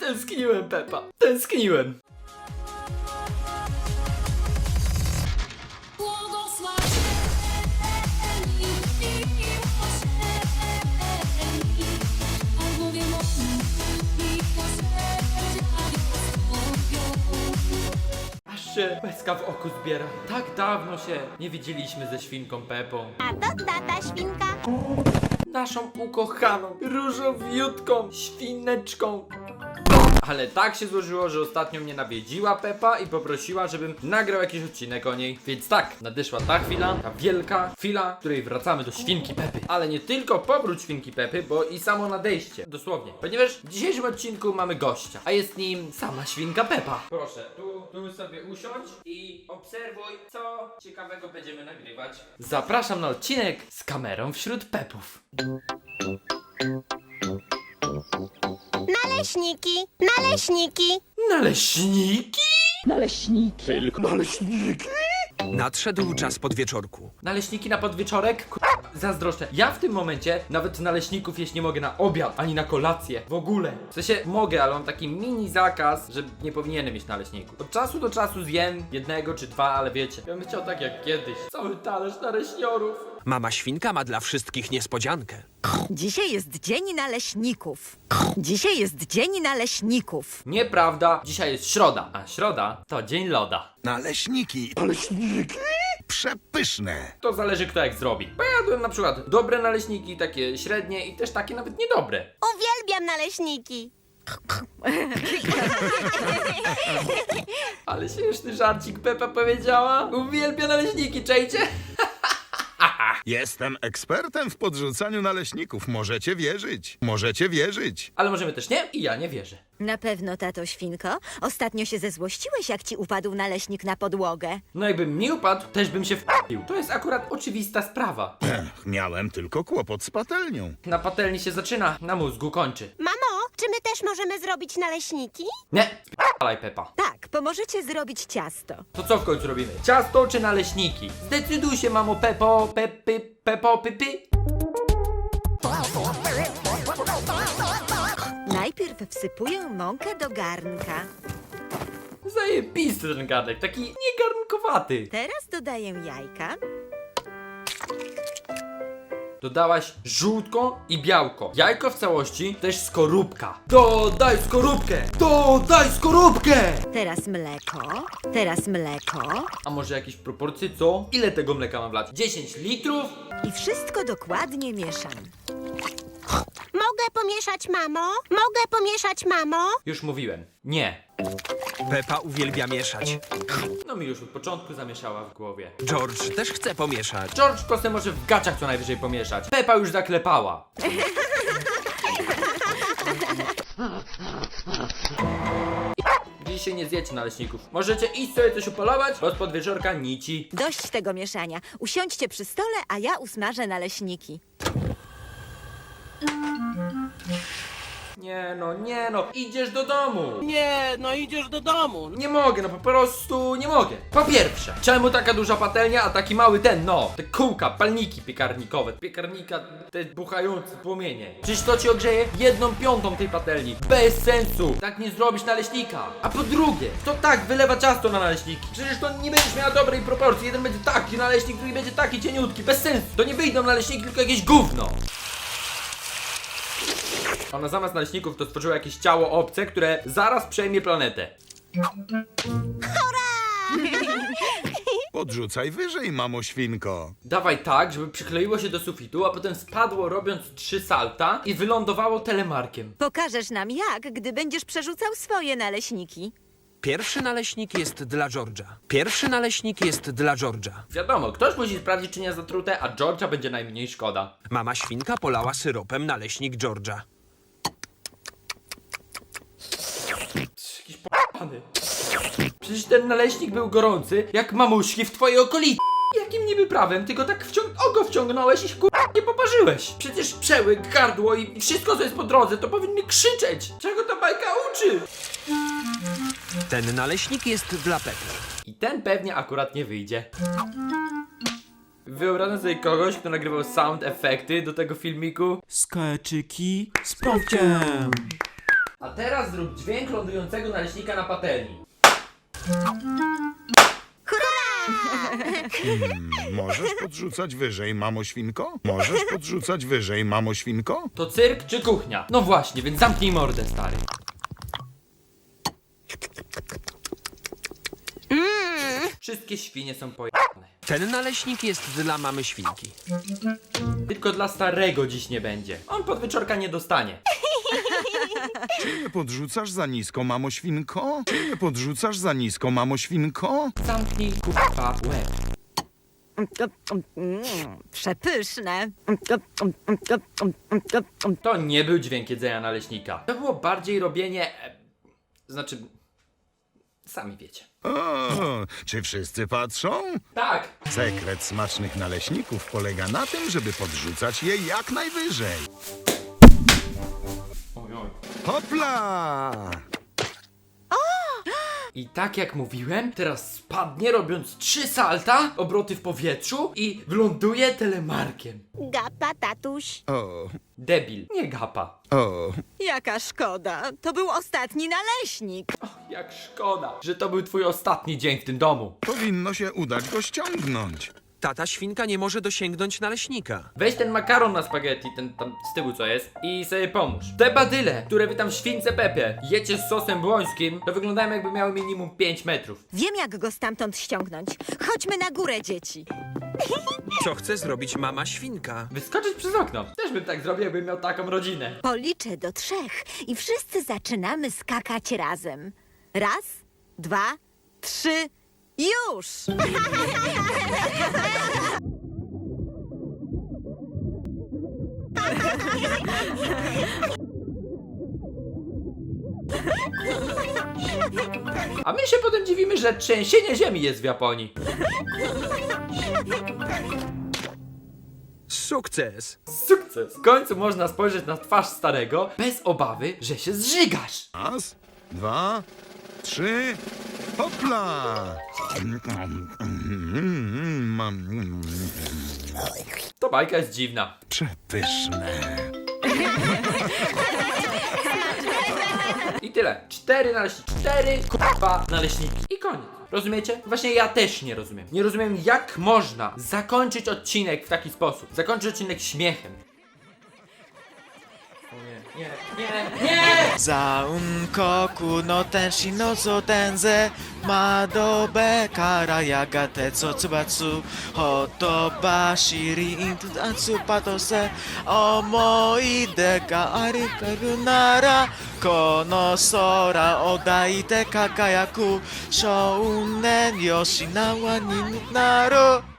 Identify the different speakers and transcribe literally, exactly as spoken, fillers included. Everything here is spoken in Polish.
Speaker 1: Tęskniłem, Pepa. Tęskniłem. Aż się łezka w oku zbiera. Tak dawno się nie widzieliśmy ze świnką Pepą.
Speaker 2: A to tata świnka.
Speaker 1: Naszą ukochaną, różowiutką świneczką. Ale tak się złożyło, że ostatnio mnie nawiedziła Pepa i poprosiła, żebym nagrał jakiś odcinek o niej. Więc tak, nadeszła ta chwila, ta wielka chwila, w której wracamy do świnki Pepy. Ale nie tylko powrót świnki Pepy, bo i samo nadejście. Dosłownie. Ponieważ w dzisiejszym odcinku mamy gościa, a jest nim sama świnka Pepa. Proszę, tu, tu sobie usiądź i obserwuj, co ciekawego będziemy nagrywać. Zapraszam na odcinek z kamerą wśród Pepów.
Speaker 2: Naleśniki, naleśniki.
Speaker 1: Naleśniki?
Speaker 3: Naleśniki.
Speaker 4: Tylko naleśniki?
Speaker 5: Nadszedł czas podwieczorku.
Speaker 1: Naleśniki na podwieczorek? K- zazdroszczę. Ja w tym momencie nawet naleśników jeść nie mogę na obiad, ani na kolację. W ogóle. W sensie mogę, ale mam taki mini zakaz, że nie powinienem mieć naleśników. Od czasu do czasu zjem jednego czy dwa, ale wiecie, ja bym chciał tak jak kiedyś. Cały talerz naleśniorów.
Speaker 5: Mama świnka ma dla wszystkich niespodziankę.
Speaker 3: Dzisiaj jest dzień naleśników. Dzisiaj jest dzień naleśników.
Speaker 1: Nieprawda, dzisiaj jest środa, a środa to dzień loda.
Speaker 4: Naleśniki. Naleśniki? Przepyszne.
Speaker 1: To zależy kto jak zrobi. Bo ja jadłem na przykład dobre naleśniki, takie średnie i też takie nawet niedobre.
Speaker 2: Uwielbiam naleśniki.
Speaker 1: Ale śmieszny żarcik Pepa powiedziała. Uwielbia naleśniki, czajcie?
Speaker 4: Jestem ekspertem w podrzucaniu naleśników. Możecie wierzyć. Możecie wierzyć.
Speaker 1: Ale możemy też nie i ja nie wierzę.
Speaker 3: Na pewno, tato świnko. Ostatnio się zezłościłeś, jak ci upadł naleśnik na podłogę.
Speaker 1: No jakbym mi upadł, też bym się wpił. To jest akurat oczywista sprawa.
Speaker 4: Ech, miałem tylko kłopot z patelnią.
Speaker 1: Na patelni się zaczyna, na mózgu kończy.
Speaker 2: Mamo, czy my też możemy zrobić naleśniki?
Speaker 1: Nie, sp***alaj Pepa.
Speaker 3: Tak, pomożecie zrobić ciasto.
Speaker 1: To co w końcu robimy? Ciasto czy naleśniki? Zdecyduj się, mamo Pepo, Pepy, Pepo, Pipy.
Speaker 3: Najpierw wsypuję mąkę do garnka.
Speaker 1: Zajebisty ten garnek, taki niegarnkowaty.
Speaker 3: Teraz dodaję jajka.
Speaker 1: Dodałaś żółtko i białko. Jajko w całości, też skorupka. Dodaj skorupkę! Dodaj skorupkę!
Speaker 3: Teraz mleko. Teraz mleko.
Speaker 1: A może jakieś proporcje, co? Ile tego mleka mam wlać? dziesięć litrów?
Speaker 3: I wszystko dokładnie mieszam.
Speaker 2: Mogę pomieszać, mamo? Mogę pomieszać, mamo?
Speaker 1: Już mówiłem. Nie.
Speaker 5: Pepa uwielbia mieszać.
Speaker 1: No mi już od początku zamieszała w głowie.
Speaker 5: George też chce pomieszać.
Speaker 1: George kosę może w gaciach co najwyżej pomieszać. Pepa już zaklepała. Dzisiaj nie zjecie naleśników. Możecie iść sobie coś upolować, bo z podwieczorka nici.
Speaker 3: Dość tego mieszania. Usiądźcie przy stole, a ja usmażę naleśniki.
Speaker 1: Nie no, nie no, idziesz do domu.
Speaker 6: Nie, no idziesz do domu.
Speaker 1: Nie mogę, no po prostu nie mogę. Po pierwsze, czemu taka duża patelnia, a taki mały ten, no, te kółka, palniki piekarnikowe, piekarnika, te buchające płomienie. Przecież to ci ogrzeje jedną piątą tej patelni. Bez sensu, tak nie zrobisz naleśnika. A po drugie, to tak wylewa ciasto na naleśniki. Przecież to nie będziesz miała dobrej proporcji. Jeden będzie taki naleśnik, drugi będzie taki cieniutki, bez sensu. To nie wyjdą naleśniki, tylko jakieś gówno. Ona zamiast naleśników to stworzyła jakieś ciało obce, które zaraz przejmie planetę.
Speaker 4: Podrzucaj wyżej, mamo świnko.
Speaker 1: Dawaj tak, żeby przykleiło się do sufitu, a potem spadło robiąc trzy salta i wylądowało telemarkiem.
Speaker 3: Pokażesz nam jak, gdy będziesz przerzucał swoje naleśniki.
Speaker 5: Pierwszy naleśnik jest dla George'a. Pierwszy naleśnik jest dla George'a.
Speaker 1: Wiadomo, ktoś musi sprawdzić, czy nie zatrute, a George'a będzie najmniej szkoda.
Speaker 5: Mama świnka polała syropem naleśnik George'a.
Speaker 1: Jakiś p***any. Przecież ten naleśnik był gorący, jak mamuśki w twojej okolicy. Jakim niby prawem, tylko tak wciąg oko wciągnąłeś i się kur... nie poparzyłeś. Przecież przełyk, gardło i wszystko co jest po drodze to powinny krzyczeć. Czego ta bajka uczy?
Speaker 5: Ten naleśnik jest dla Pepy.
Speaker 1: I ten pewnie akurat nie wyjdzie. Wyobrażam sobie kogoś, kto nagrywał sound efekty do tego filmiku.
Speaker 7: Skeczyki z Pawciem.
Speaker 1: A teraz zrób dźwięk lądującego naleśnika na patelni.
Speaker 4: Hmm, możesz podrzucać wyżej, mamo świnko? Możesz podrzucać wyżej, mamo świnko?
Speaker 1: To cyrk czy kuchnia? No właśnie, więc zamknij mordę, stary. Wszystkie świnie są pojebane.
Speaker 5: Ten naleśnik jest dla mamy świnki.
Speaker 1: Tylko dla starego dziś nie będzie. On podwieczorka nie dostanie.
Speaker 4: Czy nie podrzucasz za nisko, mamo świnko? Czy nie podrzucasz za nisko, mamo świnko?
Speaker 1: Zamknij kurwa łeb.
Speaker 3: Mm, przepyszne.
Speaker 1: To nie był dźwięk jedzenia naleśnika. To było bardziej robienie... E, znaczy... Sami wiecie.
Speaker 4: O, czy wszyscy patrzą?
Speaker 1: Tak!
Speaker 4: Sekret smacznych naleśników polega na tym, żeby podrzucać je jak najwyżej.
Speaker 1: Oj, oj.
Speaker 4: Hopla!
Speaker 1: I tak jak mówiłem, teraz spadnie robiąc trzy salta, obroty w powietrzu i wyląduje telemarkiem.
Speaker 2: Gapa, tatuś.
Speaker 4: O,
Speaker 1: Debil, nie gapa.
Speaker 4: o,
Speaker 3: Jaka szkoda. To był ostatni naleśnik.
Speaker 1: Jak szkoda, że to był twój ostatni dzień w tym domu.
Speaker 4: powinno się udać go ściągnąć.
Speaker 5: Tata świnka nie może dosięgnąć naleśnika.
Speaker 1: Weź ten makaron na spaghetti, ten tam z tyłu co jest, i sobie pomóż. Te badyle, które wy tam w śwince Pepie jecie z sosem błońskim, to wyglądają jakby miały minimum pięć metrów.
Speaker 3: Wiem, jak go stamtąd ściągnąć. Chodźmy na górę, dzieci.
Speaker 5: Co chce zrobić mama świnka?
Speaker 1: Wyskoczyć przez okno. Też bym tak zrobił, jakbym miał taką rodzinę.
Speaker 3: Policzę do trzech i wszyscy zaczynamy skakać razem. Raz, dwa, trzy, już!
Speaker 1: A my się potem dziwimy, że trzęsienie ziemi jest w Japonii.
Speaker 5: Sukces!
Speaker 1: Sukces! W końcu można spojrzeć na twarz starego bez obawy, że się zżygasz.
Speaker 4: Raz, dwa, trzy, hopla!
Speaker 1: To bajka jest dziwna.
Speaker 4: Przepyszne.
Speaker 1: I tyle. Cztery naleśniki. Cztery kurwa naleśniki. I koniec. Rozumiecie? Właśnie ja też nie rozumiem. Nie rozumiem, jak można zakończyć odcinek w taki sposób. Zakończyć odcinek śmiechem. O nie, nie, nie, nie!
Speaker 7: ザウン国の天使のゾテンゼ窓辺からやがて卒伐ほとばしりんとつパトセ思い出がありかるならこの空を抱いて輝く少年よしなわになる